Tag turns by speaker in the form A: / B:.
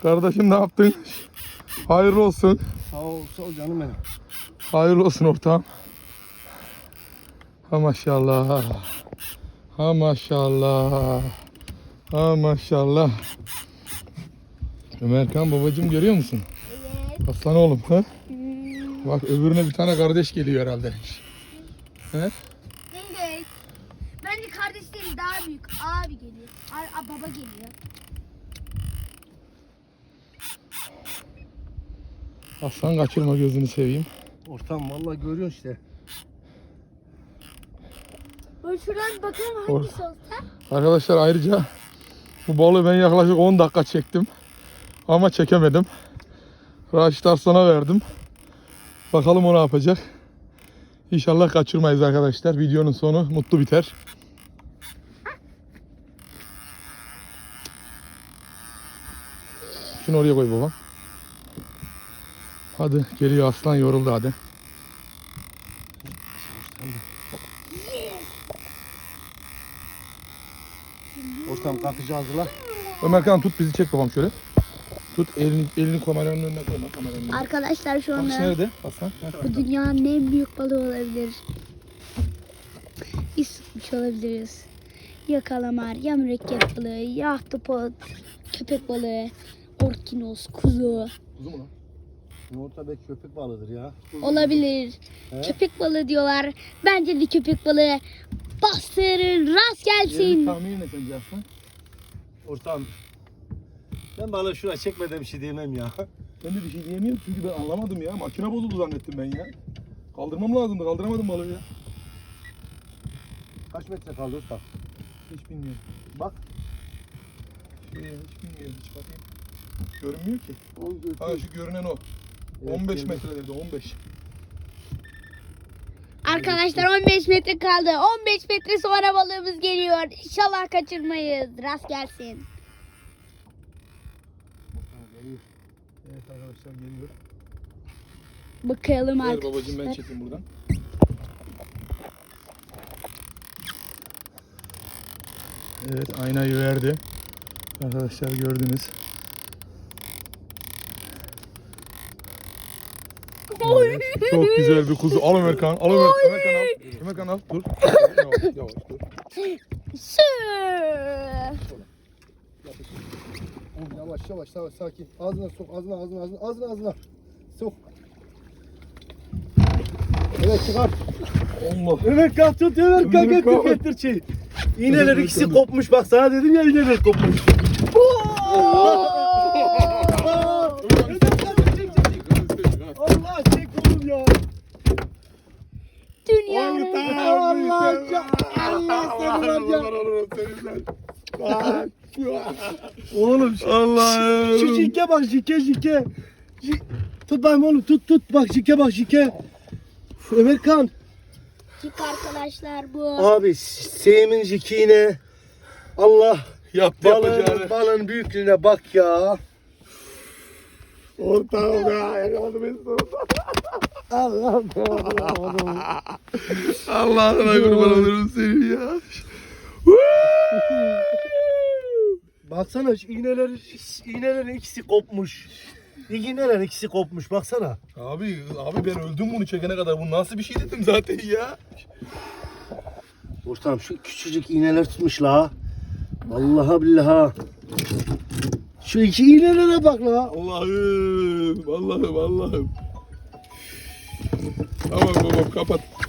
A: Kardeşim ne yaptın? Hayırlı olsun.
B: Sağ ol canım benim.
A: Hayırlı olsun ortağım. Ha maşallah. Ha maşallah. Ha maşallah. Ömerkan babacığım görüyor musun?
C: Evet.
A: Aslan oğlum ha? Bak öbürüne bir tane kardeş geliyor herhalde. He?
C: Evet. Bence kardeşleri daha büyük. Abi geliyor. Baba geliyor.
A: Aslan kaçırma gözünü seveyim.
B: Ortam vallahi görüyorsun işte.
C: Ben şuradan bakalım hangisi olsa.
A: Arkadaşlar ayrıca bu balığı ben yaklaşık 10 dakika çektim. Ama çekemedim. Raşit Arslan'a verdim. Bakalım o ne yapacak. İnşallah kaçırmayız arkadaşlar. Videonun sonu mutlu biter. Şunu oraya koy babam. Hadi geliyor aslan, yoruldu hadi.
B: Ortam kalkacağız la.
A: Ömerkan tut bizi, çek babam şöyle. Tut elini kameranın önüne koyma, kameranın önüne.
C: Arkadaşlar şu
A: Bakış
C: anda
A: nerede aslan?
C: bu dünyanın en büyük balığı olabilir. Biz tutmuş olabiliriz. Ya kalamar, ya mürekkep balığı, ya ahtapot, köpek balığı, orkinos, kuzu.
A: Kuzu mu lan?
B: Orta belki köpek balığıdır ya.
C: Olabilir.
B: He?
C: Köpek balığı diyorlar. Bence de köpek balığı. Bastırın, rast
A: Yerini
C: gelsin.
A: tahmin et sence aslan.
B: Ortam. Ben balığı şuraya çekmeden bir şey diyemem ya.
A: Ben de bir şey diyemiyorum çünkü ben anlamadım ya. Makine bozuldu zannettim ben ya. Kaldırmam lazımdı, kaldıramadım balığı ya.
B: Kaç metre kaldı ortam?
A: Hiç bilmiyorum.
B: Bak.
A: Hiç bilmiyorum, hiç bakayım. Görünmüyor ki. Ha
B: Evet,
A: şu görünen o.
B: Evet,
A: 15
B: görünüyor.
A: metre dedi, 15.
C: Arkadaşlar 15 metre kaldı. 15 metre sonra balığımız geliyor. İnşallah kaçırmayız. Rast gelsin.
A: Evet arkadaşlar geliyor.
C: Bakalım
A: Ver babacığım, ben
C: arkadaşlar.
A: çekeyim buradan. Evet, aynayı verdi. Arkadaşlar gördünüz. Evet, çok güzel bir kuzu. Al Ömerkan, al Ömerkan. Ömerkan al. Ömerkan al, dur. Yavaş, yavaş dur.
C: Su.
B: Yavaş sakin. Ağzına sok, ağzına. Sok. Evet çıkar.
A: Allah.
B: Ömer kalk tut, Ömer kalk
A: Ömer kalk.
B: getir şey. İğneler ikisi kopmuş, bak sana dedim ya iğneler kopmuş. Allah çek oğlum ya.
C: Dünyanın
B: Allah seni var ya. Oğlum
A: Allah'ım.
B: şu jike bak jike. Tut bakayım oğlum tut bak jike bak jike. Ömer kan.
C: Çık arkadaşlar bu.
B: Abi Seyim'in jikiğine Allah
A: Yaptı yapacağını.
B: balığın büyüklüğüne bak ya.
A: Ortağım ya, yakaladı beni sonunda.
B: Allah'ım.
A: Allah'ına kurban olurum seni ya.
B: Baksana şu iğnelerin ikisi kopmuş. İğnelerin ikisi kopmuş baksana.
A: Abi ben öldüm bunu çekene kadar. Bu nasıl bir şey dedim zaten ya.
B: Ortam şu küçücük iğneler tutmuş la. Vallahi billahi. Şu iki iğnelere bak la.
A: Allah'ım. Tamam babam kapat.